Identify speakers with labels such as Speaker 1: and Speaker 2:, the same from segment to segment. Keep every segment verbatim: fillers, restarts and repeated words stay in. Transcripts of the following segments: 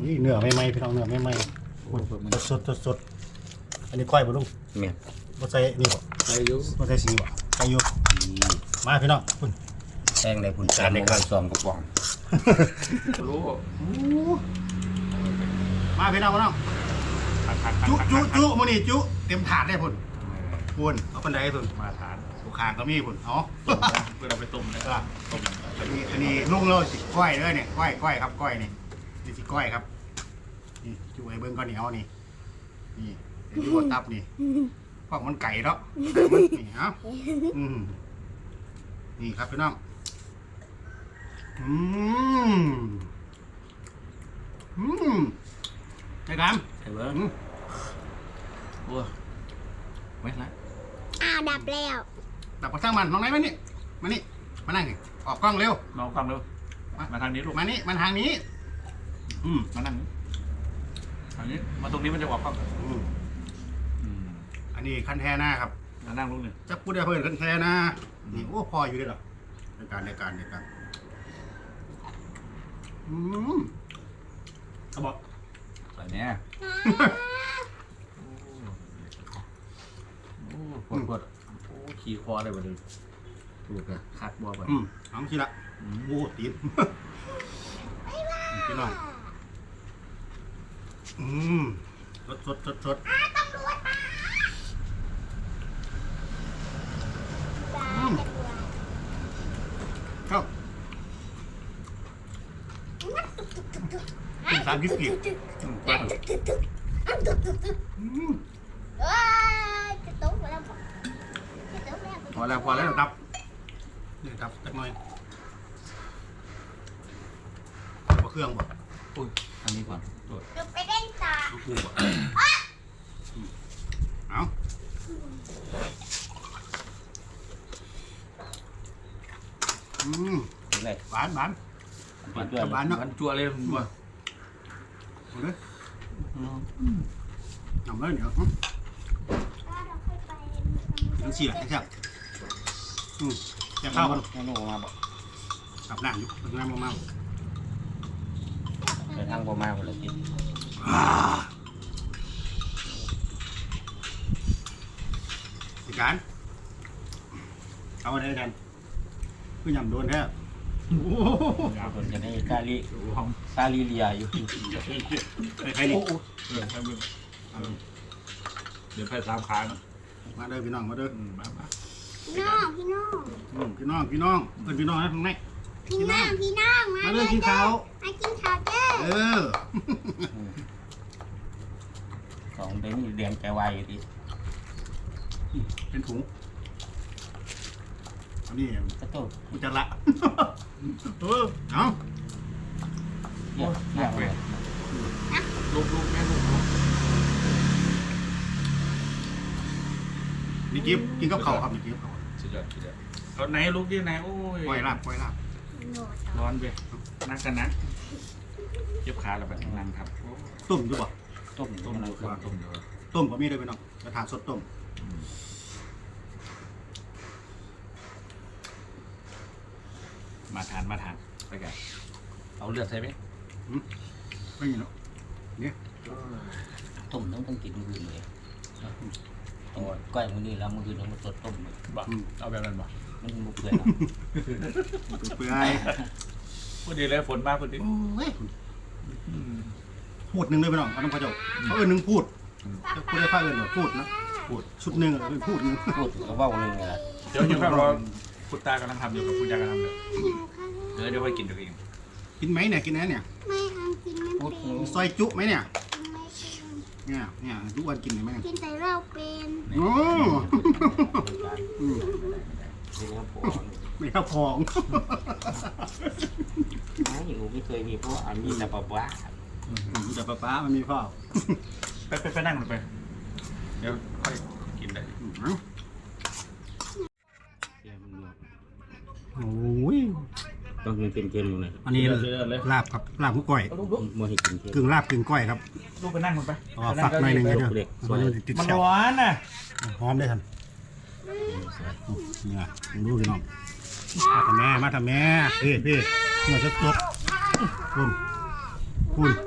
Speaker 1: นี่เนื้อไม่ไหมพี่น้องเนื้อไม่ไหมสดสดสดอันนี้ก้อยบ่ลุงเมียบ่ใส่นี่บ่ใส่อยู่บ่ใส่สีบ่ใส่อยู่มาพี่น้องคุณแทงได้คุณจานในกระซองกระป๋องรู้มาพี่น้องพี่น้องจุจุจุมื้อนี้จุเต็มถาดได้พุ่นพุ่นเอาปันไดพุ่นมาถาดลูกค้าก็มีพุ่นเนาะเพื่อเราไปต้มนะครับต้มอันนี้อันนี้ลุงเราสิก้อยเด้อเนี่ยก้อยก้อยครับก้อยนี่นี่สิก้อยครับนี่จุไอ้เบิ้งก้อนเหนียวนี่นี่เดี๋ยวดูว่าตับนี่พวกมันไก่เนาะมันนี่เอ้าอืมนี่ครับพี่น้องอืมอืมไอ้กามไอ้เบิ้งโอ้ไม่ละ
Speaker 2: อ้าวดับแล้ว
Speaker 1: ดับกระช่างมันน้องไหนมานี่มานี่มานั่งออกกล้องเร็ว
Speaker 3: น้องกล้องเร็วมาทางนี้ลูก
Speaker 1: มานี่มาทางนี้อืม
Speaker 3: มานั่งทางนี้มาตรงนี้มันจะออกกล้อง
Speaker 1: อืมอันนี้คันแทหน้าครับ
Speaker 3: มานั่งลูกหนึ่ง
Speaker 1: จะพูดได้เพื่อนคันแทหน้านี่โอ้พออยู่ด้วยหรอในการในการในการอืมเขาบอก
Speaker 3: ใส่เนี้ยโอ้ปวดปวดโอ้ขี่คอเลยวันนี้ถูกเลยคัดบัวไป
Speaker 1: อืมน้องชิละโอ้ตีนพี่น้องอืมสดสดสดสด
Speaker 2: ตำรวจมา
Speaker 1: เข้าสามยี่สิบ
Speaker 2: เอ้ยจะตุ๊กแล้ว
Speaker 1: พอแล้วพอแล้วดับนี่ดับจักหน่อยเอาเครื่องบ่
Speaker 3: อุ้ยอันนี้ก่อนโดด
Speaker 2: ไปเล่นต่อ
Speaker 1: กูบ่เอาอืมหวานหวาน
Speaker 3: หวานหวานเนาะหวานจั่วเลยบ่
Speaker 1: เอาเลยทำเลยเดี๋ยวยังเสียยังเสียอืมจะเข้ากัน
Speaker 3: ให้ลูกมาบ่
Speaker 1: ขับน้ำอยู่ขับน้ำมาเมา
Speaker 3: ไปทางบ่มาคนละที
Speaker 1: สิการเอาอะไรกันคือยำโดนแท้
Speaker 3: คนจะได้กาลีกาลีเลียอยู่
Speaker 1: ใครนี่
Speaker 3: เดี๋ยวไปตามค้าง
Speaker 1: มาเด้อพี่น้องมาเด้อ
Speaker 3: มามา
Speaker 2: พี่น้องพี่น้อง
Speaker 1: พี่น้องพี่น้องเป็นพี่น้องนะข้างใน
Speaker 2: พี่น้องพี่น้อง
Speaker 1: มาเด้อกินข้าว
Speaker 2: มากินข้าวเด้อ
Speaker 1: เออ
Speaker 3: ของเด้งเดียงใจวายอยู่ดิ
Speaker 1: เป็นถุงอันนี้
Speaker 3: กระตุ้น
Speaker 1: กุจละเออเอา
Speaker 3: เยอะเยอะเลยลูกลูกแม่ลูก
Speaker 1: นี่กินกินกับข้าวครับนี่กินกับข้าว
Speaker 3: สุดยอดสุดยอดเอาไหนลูกดิไหนโอ้ย
Speaker 1: ปล่อยลาบปล่อยลาบ
Speaker 3: ร้อนไปนั่งกันนะเย็บขาเราแบบนั่งครับ
Speaker 1: ต้มด้วยป่ะ
Speaker 3: ต้มต้มต้มต้ม
Speaker 1: ต้มก็มีเลยพี่น้องกระถางสดต้ม
Speaker 3: มาทานมาทานไปกันเอาเลือดใช่ไหม
Speaker 1: ไม่มีหรอกเนี่ย
Speaker 3: ต้มต้องต้องกินมือเลยก้อยมือนี่แล้วมืออื่นต้องมาสดต้มเลยบ่เอาแบบนั้นบ่มันบุกเปื่อย
Speaker 1: เปื่อย
Speaker 3: พูดดีเลยฝนมากพูดดี
Speaker 1: พูดหนึ่งเลยพี่น้องเขาต้องพระเจ้าเขาเอิญหนึ่งพูดพูดได้ฟ้าเอิญหรอพูดนะพูดชุดหนึ่งเป็นพูดหนึ่ง
Speaker 3: พูดก็ว่าหนึ่งไงเดี๋ยวยังรอคุณตากำลังทำอยู่กับคุณยากำลังทำเลยเดี๋ยวเดี๋ยวไปกินตัวเอง
Speaker 1: กินไหมเนี่ยกินไหมเนี่ย
Speaker 2: ไม่ทำกินไม่เป็น
Speaker 1: ซอยจุไหมเนี่ยเนี่ยเนี่ยทุกวันกินไหม
Speaker 2: กินแต่เราเป็น
Speaker 1: โอ้ไม่ข้าวพอง
Speaker 3: อยู่ไม่เคยมีเพราะอันนี้แต่ปะป๊า
Speaker 1: แต่ปะป๊ามันมีพ่อ
Speaker 3: ไปไปไปนั่งลงไปเดี๋ยวค่อยกินได้
Speaker 1: โอ้ย
Speaker 3: ต้องเป็นเกมอยู่ไหน
Speaker 1: อันนี้ลาบครับลาบกุ้งก้อย
Speaker 3: มัวให้กิน
Speaker 1: กึ่งลาบกึ่งก้อยครับ
Speaker 3: ลูกไปนั่งลงไป
Speaker 1: อ๋อฝักหน่อยหนึ่งเลยเด้อ
Speaker 3: มันร้อนน่ะ
Speaker 1: หอมได้ทันนี่นะดูพี่น้องมาทำแม่มาทำแม่พี่พี่เนื้อสดๆคุณคุณ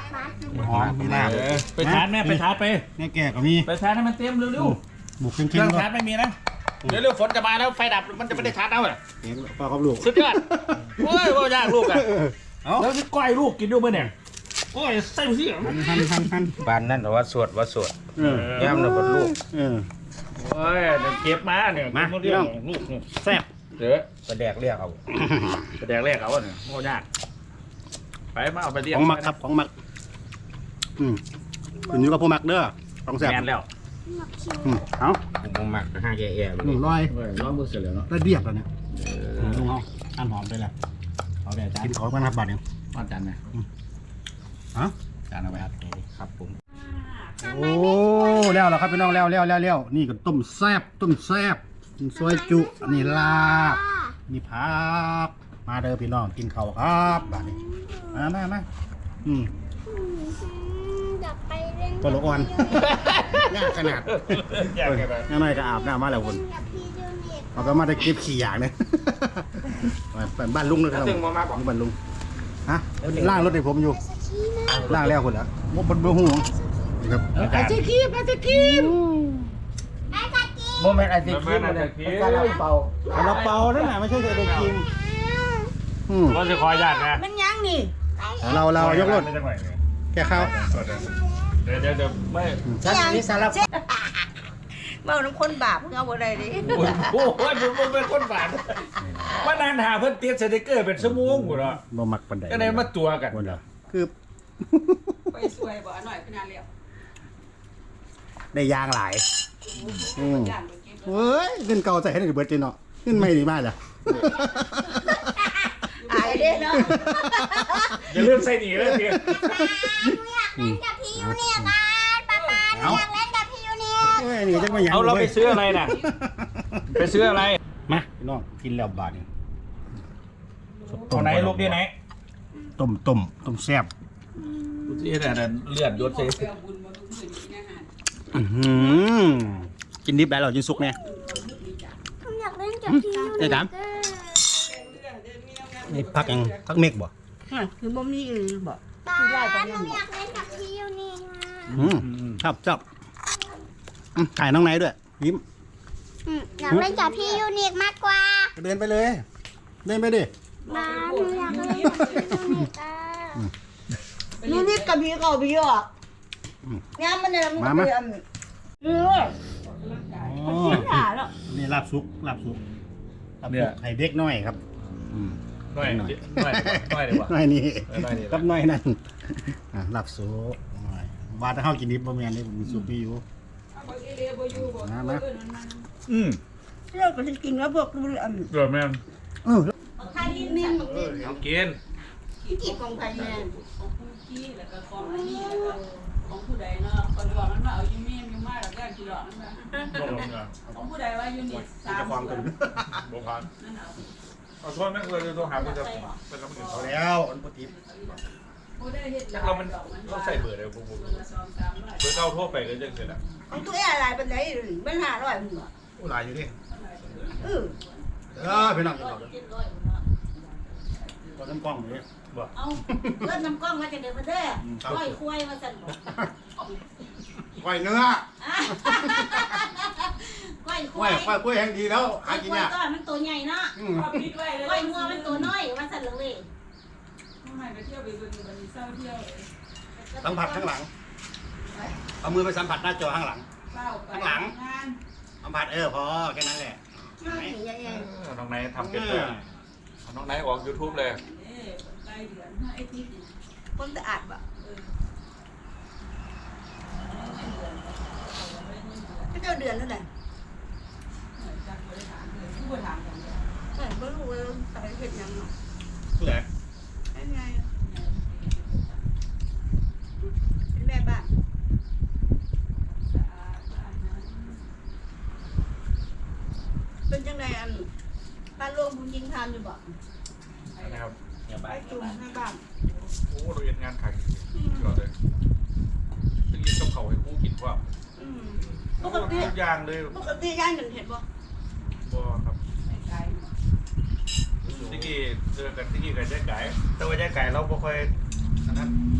Speaker 1: หอมมีลาบ
Speaker 4: ไปชาร์จแม่ไปชาร์จไป
Speaker 1: เนี่ยแก่ก็มี
Speaker 4: ไปชาร์จให้มันเต็มเร็ว
Speaker 1: บุก
Speaker 4: ๆ
Speaker 1: เข้ม
Speaker 4: เค
Speaker 1: ๆ
Speaker 4: รื่อง
Speaker 1: ก็
Speaker 4: ชาร์จไม่มีนะเดี๋ยวเร็วฝนจะมาแล้วไฟดับมันจะไม่ได้ชาร์จเอาเหรอ
Speaker 1: เองปลากับลูก
Speaker 4: สุดยอดโอ้ยว่ายากลูกอ่ะ
Speaker 1: เอา
Speaker 4: แล้วจะก้อยลูกกินด้วยมั้ยเนี่ยโอ้ยใส่สิ
Speaker 1: หันหันหันหัน
Speaker 3: บ้านนั่นว่าสวดว่าสวด
Speaker 1: เออย่
Speaker 3: ำนะบดลูก
Speaker 1: เออ
Speaker 4: โอ้ยเดี๋ยวเก็บมาเนี่ย
Speaker 1: มา
Speaker 4: เรื่องลูก
Speaker 1: แซ่บ
Speaker 4: เดี๋ยว
Speaker 3: กระแดกเรียกเอา
Speaker 4: แสดงแรกเอาเนี่ยโม่ยากไปมาเอาไปเรียก
Speaker 1: ของหมักครับของหมักอืมคุณอยู่กับผู้หมักเด้อของแซ่บ
Speaker 4: แมนแล้ว
Speaker 1: อืมเอา
Speaker 3: ผมหมักห้าแก่แย่
Speaker 1: หนึ่งร้อย
Speaker 4: ร้องมือเสร็จแล้วเนาะ
Speaker 1: ได้เรียบแล้วเนี่ยลุงเอาอันหอมไปแล้ว
Speaker 4: เอาแบบจาน
Speaker 1: กินของกันครับบัดเนี่ย
Speaker 4: เอาจานไหม
Speaker 1: ฮะ
Speaker 4: จานเอาไปครับ
Speaker 3: ครับผม
Speaker 1: โอ้แล้วเหรอครับพี่น้องแล้วแล้วแล้วแล้วนี่ก็ต้มแซ่บต้มแซ่บซอยจุอันนี้ลาบนี่ผักมาเด้อพี่น้องกินข้าวครับบัดนี้มามามาอืม
Speaker 2: อยากไปเล่น
Speaker 1: ตัวละอ่อนยากขนาด
Speaker 4: อยากไงไป
Speaker 1: น้าหน่อยก็อาบน้ำมาแล้วคุณ
Speaker 2: กับพี่ยูนิค
Speaker 1: เอาก็มาได้เก็บขี้อย่างเนี่ยไปบ้านลุงเลยครับบ้านลุงฮะล่างรถให้ผมอยู่
Speaker 2: สกีนะ
Speaker 1: ล่างแล้วคุณละมดบนเบื้องหูครับ
Speaker 4: ไอ้เจ๊คีบไอ้เจ๊คีบ
Speaker 2: ไอ้สกี
Speaker 3: โมเมนต์ไอติคิมเลยการเราเป่า
Speaker 1: เราเป่านั่นแหละไม่ใช่เด็กกินอืม
Speaker 4: ก็จะคอยญาตินะ
Speaker 5: มันยังนี่
Speaker 1: เราเรายกรถ
Speaker 4: ไม่จังหวะ
Speaker 1: แค่เข้า
Speaker 4: เดี๋ยวเดี๋ยวเดี๋ยวไม่
Speaker 3: ฉันนี่สารพัด
Speaker 5: เมาน้ำคนบาปเอาบ่ได้ดิ
Speaker 4: โอ้โหมันเป็นคนฝานว่านานหาเพิ่นเตียนสติกเกอร์เป็นชั่วโมงกูเนาะ
Speaker 1: บ่มักปันใด
Speaker 4: ก็ได้มาตัวกัน
Speaker 1: คนละคือ
Speaker 5: ไปสวยบ่หน่อยขนาดเลี้ยว
Speaker 1: ได้ยางหลายอืม
Speaker 5: ย่านบ่กิน
Speaker 1: เฮ้ยเงินเก่าใส่ให้ในเบิร์ดจีเนาะเงินไม่ดีมากเลย
Speaker 5: อายเด้เนาะ
Speaker 4: อย่าลืมใส่หนีเลยพี่
Speaker 2: อยากเล่นกับพี่ยูนิคกันป๊าป๊าอยากเล่นกับพี่ยูนิค
Speaker 1: เฮ้ยนี่จังมาหยัง
Speaker 4: เอาเราไปซื้ออะไรน่ะไปซื้ออะไร
Speaker 1: มาพี่น้องกินแล้วบาทนี่
Speaker 4: เอาไหนลูกดีไหน
Speaker 1: ต้มต้มต้มแซ่บ
Speaker 4: ดูสิแต่เลือดยศใส่
Speaker 1: อื้อหือกินดิบได้หรอกินสุกแน่
Speaker 2: ผมอยากเล่นกับพี่ยูนิ
Speaker 1: ได้
Speaker 2: ค
Speaker 1: ถาม นี่พักยังพักเมกบ่
Speaker 5: คือบ่มีอื่นบ่
Speaker 2: ป๊าผมอยากเล่นกับพี่ยูนิค
Speaker 1: อืมครับจับอืมถ่ายน้องไหนด้วยยิ้ม
Speaker 2: อยากเล่นกับพี่ยูนิคมากกว่า
Speaker 1: เดินไปเลย เดินไปดิ
Speaker 2: ป๊าหนูอยากเล่นกับพี่ยูนิคอ่ะ
Speaker 5: นี่นี่กับพี่ก็พี่อ่ะงามมันน่ะมันก็เป็นเออ
Speaker 1: อ๋อ
Speaker 5: หาแล้ว
Speaker 1: นี่ลาบซุกลาบซุกลาบซุกไข่เด็กน้อยครับอืม
Speaker 4: น้อยน้อยน้อยดีกว่า
Speaker 1: น้อยนี่
Speaker 4: น้อยนี่
Speaker 1: กับน้อยนั่นอ่ะลาบซุกน้อยว่าถ้าเฮากินดิบบ่แม่นนี่ผมมีซุปมีอยู่มามา
Speaker 4: อืม
Speaker 5: เราก็สิกินแล้วพวกดูอัน
Speaker 4: เดือดแม่น
Speaker 1: เออ
Speaker 5: ทานนี่นี่
Speaker 4: เอากิน
Speaker 5: กินของไผแม่
Speaker 6: ขี้แล้วก็ของอันนี้แล้วก็ของผู้ใดเนาะคนบอกมันว่าเอาอยู่เมียมอยู่มาแล้วก็กี่ดอกนั่นนะ
Speaker 4: ลงลงเนาะ
Speaker 6: ของผู้ใดว่าอยู่นี่สาม
Speaker 1: จะความกัน
Speaker 4: บ่ผ่าน
Speaker 6: นั่นเอา
Speaker 4: เอาโทษแม่งเลยโทรหาคุณจะเป็นลำดึง
Speaker 1: เอาแล้วอันปกติ
Speaker 6: ผู้ใดเฮ็ดหลาย
Speaker 4: เรามัน
Speaker 6: ดอกมัน
Speaker 4: เราใส่เบอร์เลยพวกผม
Speaker 6: ละสองสามร้อย
Speaker 4: เบอร์เก้าโทรไปก็ยังเสร็จอ่ะ
Speaker 5: ของตัวอะไรปานใดมันห้าร้อยพุ่นบ่
Speaker 1: โอ้หลายอยู่ดิ
Speaker 5: เออ
Speaker 1: เออไปนั่งกินข้าวเด้อ
Speaker 6: เจ็ดร้อยเนาะ
Speaker 1: ตอนน้ำกล้องนี่บ่
Speaker 6: เอาเลือดน้ำกล้องมาจากเดี๋ยวมาเด้อร้อยควายมาสั่นบอก
Speaker 1: ก้อยเนื้อ
Speaker 6: ก้อยค
Speaker 1: ก้อ
Speaker 6: วาย ย
Speaker 1: ก้อยก้อยแห้งดีแล้วหา
Speaker 6: ก้อย
Speaker 1: กิน
Speaker 6: ควาย
Speaker 1: ยาก
Speaker 6: ก็มันตัวใหญ่เนาะ
Speaker 1: อืม
Speaker 6: ก้อยงัวมันตัวน้อยมาสั่นเลย
Speaker 1: สัมผัสข้างหลัง เอามือไปสัมผัสหน้าจอข้างหลัง ข้างหลัง สัมผัสเออพอแค่นั้นแหละ
Speaker 5: มาสิใหญ่
Speaker 4: น้องไนท์ทำเป็นเลยน้องไนท์ออกยูทูบเลย
Speaker 6: เอ้ใกล้เดือนไอ้ที่
Speaker 5: ๆคนสะอาดบ่ก็เจ้าเดือนนั่นแหละ
Speaker 6: จากบริษัทเลยผู้บริหารกันเลย
Speaker 5: เออบ่รู้ว่าใส่เฮ็ดหยังเนาะ
Speaker 1: ผู้ใหญ่
Speaker 5: ไอ้ไงเป็นแม่บ้านเป็นจังไดอันบ้านโลงผู้หญิงทานอยู่บ่
Speaker 4: นะครับ
Speaker 5: ไปจุ่มแม่บ้าน
Speaker 4: โอ้เราเรียนงานขายก่อนเลยตึงยินกับเขาให้ผู้กินว่า
Speaker 5: อืมป
Speaker 4: ทุ
Speaker 5: กติ
Speaker 4: กอย่างเลย
Speaker 5: ปกติย่างกันเห็นบ่
Speaker 4: บ่ครับ
Speaker 6: ไกล
Speaker 4: ที่กี้เจอกันที่กี้กับแจ๊กไก่แต่ว่าแจ๊กไก่เราบ่ค่อยอันนั้น